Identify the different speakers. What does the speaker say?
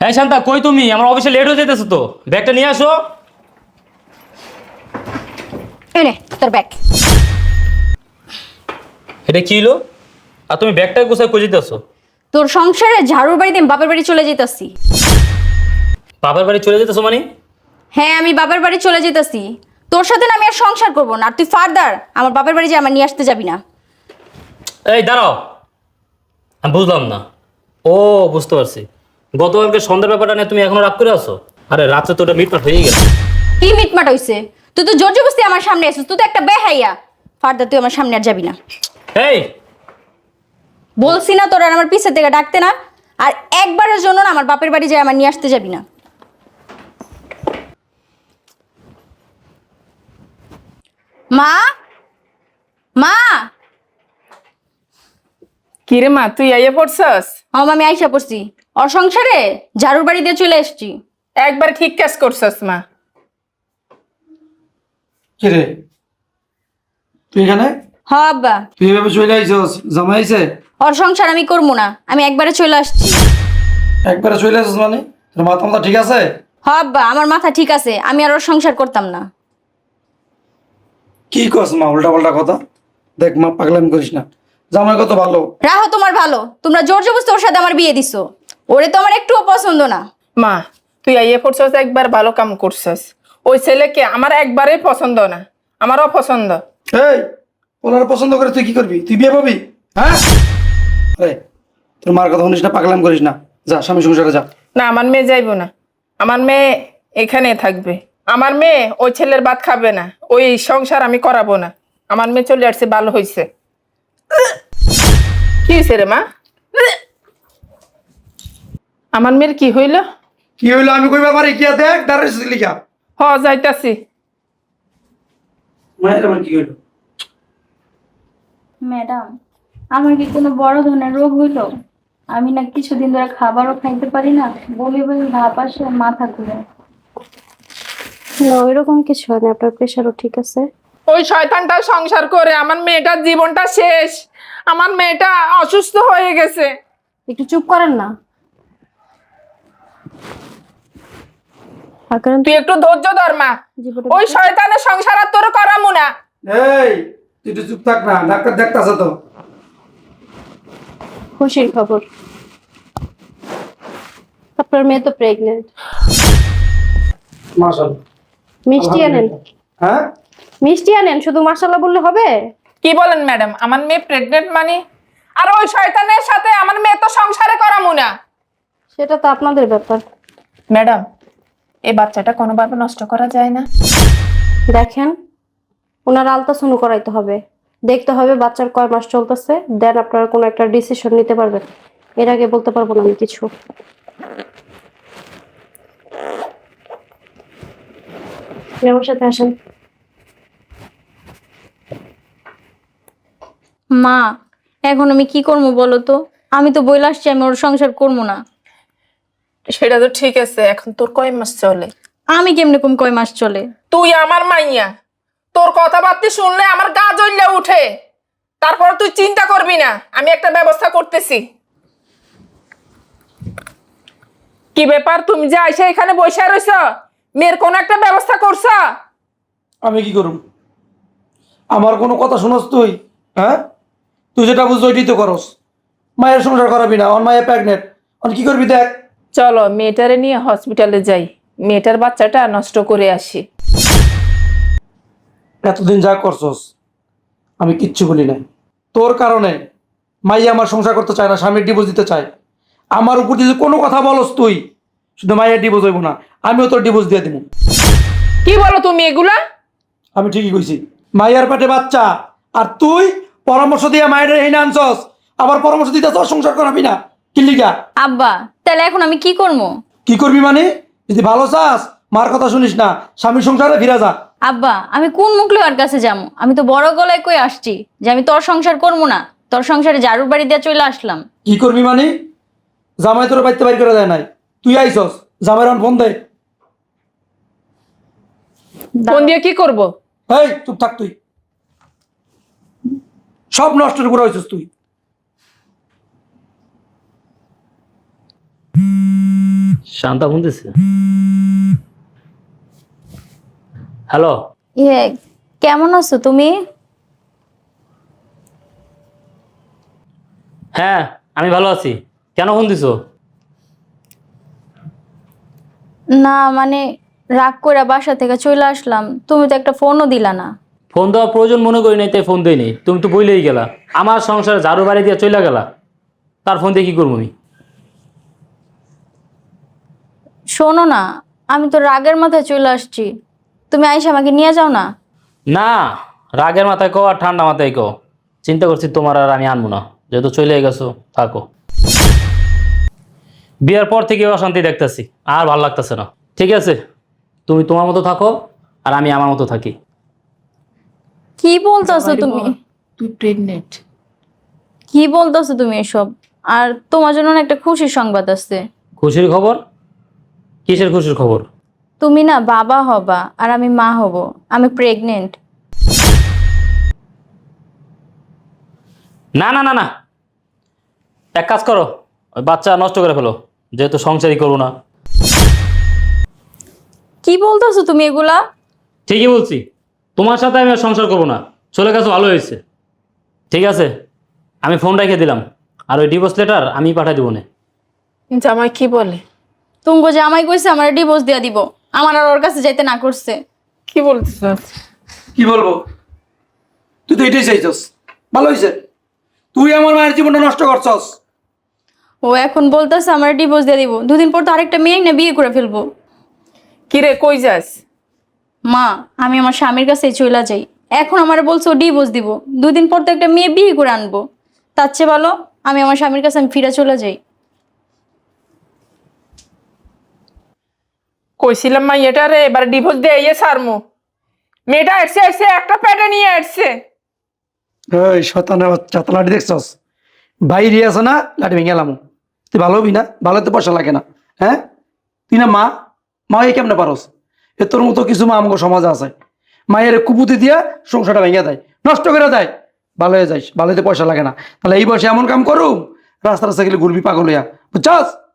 Speaker 1: এই শান্তা, কই তুমি? আমার অফিসে লেট হয়ে যেতেছে তো, ব্যাগটা নিয়ে আসো।
Speaker 2: এই নে তোর ব্যাগ।
Speaker 1: এটা কি হলো? আর তুমি ব্যাগটা কোথায় কই যেতেছো?
Speaker 2: তোর সংসারে ঝাড়ুর বাড়িতে আমি বাপের বাড়ি চলে যেতেছি।
Speaker 1: বাবার বাড়ি চলে যেতেছো মানে?
Speaker 2: হ্যাঁ, আমি বাপের বাড়ি চলে যেতেছি। তোর সাথে না আমি আর সংসার করবো না। আর তুই ফার্দার আমার বাপের বাড়ি যে আমার নিয়ে আসতে যাবি না।
Speaker 1: এই দাঁড়াও, আমি বুঝলাম না। ও, বুঝতে পারছি। গতকালকে সন্ধ্যার ব্যাপারটা নিয়ে তুমি এখনো রাগ করে আছো? আরে রাত্রে তো ওটা মিটমাট হয়ে গেছে।
Speaker 2: কি মিটমাট হইছে? তুই তো জোর জবরদস্তি আমার সামনে আসিস। তুই তো একটা বেহাইয়া। ফার্দার তুই আমার সামনে আর যাবি না।
Speaker 1: এই,
Speaker 2: বলছি না তোর আর আমার পিছের থেকে ডাকতে না। আর একবারের জন্য না আমার বাপের বাড়ি যায় আমার নিয়ে আসতে যাবি না। মা, মা।
Speaker 3: কিরে মা, তুই আইয়া পড়ছস?
Speaker 2: আমি আইসা পড়ছি। ওর সংসারে ঝাড়ুর বাড়ি দিয়ে চলে এসছি।
Speaker 3: একবার ঠিক কাজ করছস মা।
Speaker 4: কিরে তুই এখানে?
Speaker 2: হ আব্বা।
Speaker 4: তুই এভাবে চলে আইছস? জামাই আইছে?
Speaker 2: ওর সংসার আমি করবো না, আমি একবারে চলে আসছি।
Speaker 4: একবারে চলে আসছিস মানে? তোর মাথা মাথা ঠিক আছে?
Speaker 2: হ আব্বা, আমার মাথা ঠিক আছে, আমি আর ওর সংসার করতাম না।
Speaker 4: কি করছ মা, উল্টা পাল্টা কথা? দেখ মা, পাগলামি করিস না। জামাই কত ভালো।
Speaker 2: রাহো তোমার ভালো, তোমরা জোর জবরদস্তি ওর সাথে আমার বিয়ে দিছো। ওরে তো আমার একটুও পছন্দ না।
Speaker 3: মা, তুই আইয়া পড়ছস, একবার ভালো কাম করছস। ওই ছেলেকে আমার একবারেই পছন্দ না, আমারও পছন্দ।
Speaker 4: এই, ওনার পছন্দ করে তুই কি করবি? তুই বিয়ে পাবি? হ্যাঁ? আরে তোর মার কথা শুনিস না, পাগলামি করিস না। যা স্বামী সংসারে যা।
Speaker 3: না, আমার মেয়ে যাইব না। আমার মেয়ে এখানে থাকবে। আমার মেয়ে ওই ছেলের ভাত খাবে না, ওই সংসার আমি করাবো না। আমার মেয়ে চলে আসছে, ভালো হয়েছে। কি হয়েছে রে মা? আমার মেয়ের কি হইল?
Speaker 4: কি হইলো আমি কইবা পারি? কি আর দেখ দাঁড়াইছিস লিখা।
Speaker 3: যাইতাছি।
Speaker 4: মায়ের আমার কি হইলো?
Speaker 5: ম্যাডাম, আমার কি কোনো বড় ধরনের রোগ হইলো? আমি না কিছুদিন ধরে খাবারও খাইতে পারি না, বমি বমি ভাব আসে, মাথা ঘুরে। না, ওইরকম কিছু হয় না, আপনার প্রেশারও ঠিক আছে।
Speaker 3: ওই শয়তানটা সংসার করে আমার মেয়েটার জীবনটা শেষ। আমার মেয়েটা অসুস্থ হয়ে গেছে।
Speaker 5: একটু চুপ করেন না। আর কারণ
Speaker 3: তুই একটু ধৈর্য ধর মা।
Speaker 5: জীবনে
Speaker 3: ওই শয়তানের সংসার আর তোর করামু না।
Speaker 4: এই তুই একটু চুপ থাক না, ডাক্তার দেখতাছে তো।
Speaker 5: খুশির খবর, আপনার মেয়ে তো প্রেগনেন্ট।
Speaker 4: মাশাআল্লাহ।
Speaker 5: মিষ্টি আনেন,
Speaker 4: হ্যাঁ?
Speaker 5: মিষ্টি আনেন, শুধু মাশাআল্লাহ বললে হবে?
Speaker 3: কি বলেন ম্যাডাম? আমার মেয়ে প্রেগনেন্ট মানে? আর ওই শয়তানের সাথে আমার মেয়ে তো সংসারে করামু না।
Speaker 5: সেটা তো আপনাদের ব্যাপার।
Speaker 3: ম্যাডাম, এই বাচ্চাটা কোনোভাবে নষ্ট করা যায় না?
Speaker 5: দেখেন, ওনার আলট্রাসাউন্ড করাইতে হবে, দেখতে হবে বাচ্চার কয় মাস চলতেছে, দেন আপনারা কোনো একটা ডিসিশন নিতে পারবেন। এর আগে বলতে পারবো না আমি কিছু। আপনি আমার সাথে আসেন।
Speaker 2: মা, এখন আমি কি করবো বলো তো? আমি তো বইলে আসছি আমি ওর সংসার করবো না।
Speaker 3: সেটা তো ঠিক আছে, এখন তোর কয় মাস চলে?
Speaker 2: আমি কেমনে কম কয় মাস চলে?
Speaker 3: তুই আমার মাইয়া, তোর কথাবার্তা শুনলে আমার গা জ্বলে উঠে। তারপর তুই চিন্তা করবি না, আমি একটা ব্যবস্থা করতেছি। কি ব্যাপার, তুমি যে আইসা এখানে বসে রইছ, মেয়ের কোন একটা ব্যবস্থা করছ?
Speaker 4: আমি কি করব? আমার কোনো কথা শুনস তুই? হ্যাঁ, তুই যেটা বুঝছো ওইটাই তো করস। মায়ের সংসার করাবি না, আমার মায়ের প্রেগনেন্ট, অন কি করবি দেখ।
Speaker 3: চলো মেয়েটারে নিয়ে হসপিটালে যাই, মেয়েটার বাচ্চাটা নষ্ট করে আসি।
Speaker 4: এতদিন যা করছস আমি কিচ্ছু বলি নাই। তোর কারণে মাইয়া আমার সংসার করতে চায় না, স্বামীর ডিভোর্স দিতে চায়। আমার উপর যদি কোনো কথা বলস তুই, শুধু মায়ের ডিভোর্স হইব না, আমিও তোর ডিভোর্স দিয়ে দিব।
Speaker 3: কি বলো তুমি এগুলা?
Speaker 4: আমি ঠিকই কইছি। মাইয়ার পেটে বাচ্চা, আর তুই পরামর্শ দিয়ে মায়ের এই না আনছস, আবার পরামর্শ দিতে তোর সংসার করাবি না। কি লিগা?
Speaker 2: আব্বা, তাহলে এখন আমি কি করবো?
Speaker 4: কি করবি মানে? যদি ভালো চাস মার কথা শুনিস না, স্বামীর সংসারে ফিরে যা।
Speaker 2: আব্বা, আমি কোন মুখলে ওর কাছে যাবো? আমি তো বড় গলায় কই আসছি যে আমি তোর সংসার করবো না, তোর সংসারে ঝাড়ুর বাড়ি দিয়ে চলে আসলাম।
Speaker 4: কি করবি মানে? জামাই তোর বাড়িতে বাইর করে দেয় নাই, তুই আইসস। জামাইর ফোন দে।
Speaker 3: ফোন দিয়ে কি করব?
Speaker 4: এই চুপ থাক তুই, সব নষ্টের করে হয়েছিস তুই।
Speaker 1: শান্তা ফোন দিছে। হ্যালো,
Speaker 2: ইয়ে, কেমন আছো তুমি?
Speaker 1: হ্যাঁ আমি ভালো আছি। কেন ফোন দিছো?
Speaker 2: না মানে রাগ করে বাসা থেকে চলে আসলাম, তুমি তো একটা ফোনও দিলা না।
Speaker 1: ফোন দেওয়ার প্রয়োজন মনে করি নাই, তাই ফোন দেই নাই। তুমি তো বইলেই গেলা, আমার সংসারে ঝাড়ু বাড়ি দিয়ে চলে গেলা, তার ফোন দিয়ে কি করবো আমি?
Speaker 2: শোনো না, আমি তো রাগের মাথায় চলে আসছি, তুমি আইসা আমাকে নিয়ে যাও না।
Speaker 1: না, রাগের মাথায় কো আর ঠান্ডা মাথায় কো, চিন্তা করছি তোমার আর আমি আনবো না, যেহেতু চলে গেছো থাকো। বিয়ার পর থেকে অশান্তি দেখতেছি, আর ভালো লাগতেছে না। ঠিক আছে, তুমি তোমার মতো থাকো আর আমি আমার মতো থাকি।
Speaker 2: কি বলতেছো তুমি?
Speaker 3: তুই প্রেগনেন্ট।
Speaker 2: কি বলতেছো তুমি এসব? আর তোমার জন্য না একটা খুশির সংবাদ আছে।
Speaker 1: খুশির খবর? কিসের খুশির খবর?
Speaker 2: তুমি না বাবা হবা আর আমি মা হব। আমি প্রেগনেন্ট।
Speaker 1: না না না না, এক কাজ করো, ওই বাচ্চা নষ্ট করে ফেলো, যেহেতু সংসারই করবো না।
Speaker 2: কি বলতেছো তুমি এগুলা?
Speaker 1: ঠিকই বলছি, তোমার সাথে আমি আর সংসার করবো না। চলে গেছো ভালো হয়েছে। ঠিক আছে, আমি ফোন রেখে দিলাম, আর ওই ডিভোর্স লেটার আমি পাঠিয়ে দেবো না।
Speaker 3: জামাই কি বলে?
Speaker 2: তুমি যে আমায় কইছে আমার ডিভোর্স দিয়া দিব, আমার আর ওর কাছে যাইতে না করছে।
Speaker 3: কি বলতেছ?
Speaker 4: কি বলবো, তুই তো এটাই চাইছস, ভালো হয়েছে। তুই আমার মায়ের জীবনটা নষ্ট করছস।
Speaker 2: ও এখন বলতেছে আমার ডিভোর্স দিয়ে দিব, দুদিন পর তো আরেকটা মেয়ে না বিয়ে করে ফেলবো।
Speaker 3: কি রে, কই যাস?
Speaker 2: মা, আমি আমার স্বামীর কাছে চলে যাই। এখন আমার বলছো ডিভোর্স দিব, দুদিন পর তো একটা মেয়ে বিয়ে করে আনবো। তার চেয়ে ভালো আমি আমার স্বামীর কাছে আমি ফিরে চলে যাই।
Speaker 3: কইছিলাম মা এটা রে এবার ডিভোর্স দিয়ে ইয়ে সারমু। মেয়েটা আসছে আসছে একটা প্যাটে নিয়ে আসছে।
Speaker 4: এই শতানের বাচ্চা, তো লাঠি দেখছস? বাইরে আছে না, লাঠি ভেঙে গেলাম। তুই ভালো হবি না? ভালো তো পয়সা লাগে না। হ্যাঁ, তুই না মা, মা এই কেমনে পারস? এ তোর মতো কিছু মা আমাকে সমাজে আছে, মায়ের কুপুতি দিয়া সংসারটা ভেঙে দেয়, নষ্ট করে দেয়। ভালো হয়ে যাইস, ভালো হতে পয়সা লাগে না। তাহলে এই বয়সে এমন কাম করুম, রাস্তা রাস্তা গেলে ঘুরবি পাগল হইয়া, বুঝছস?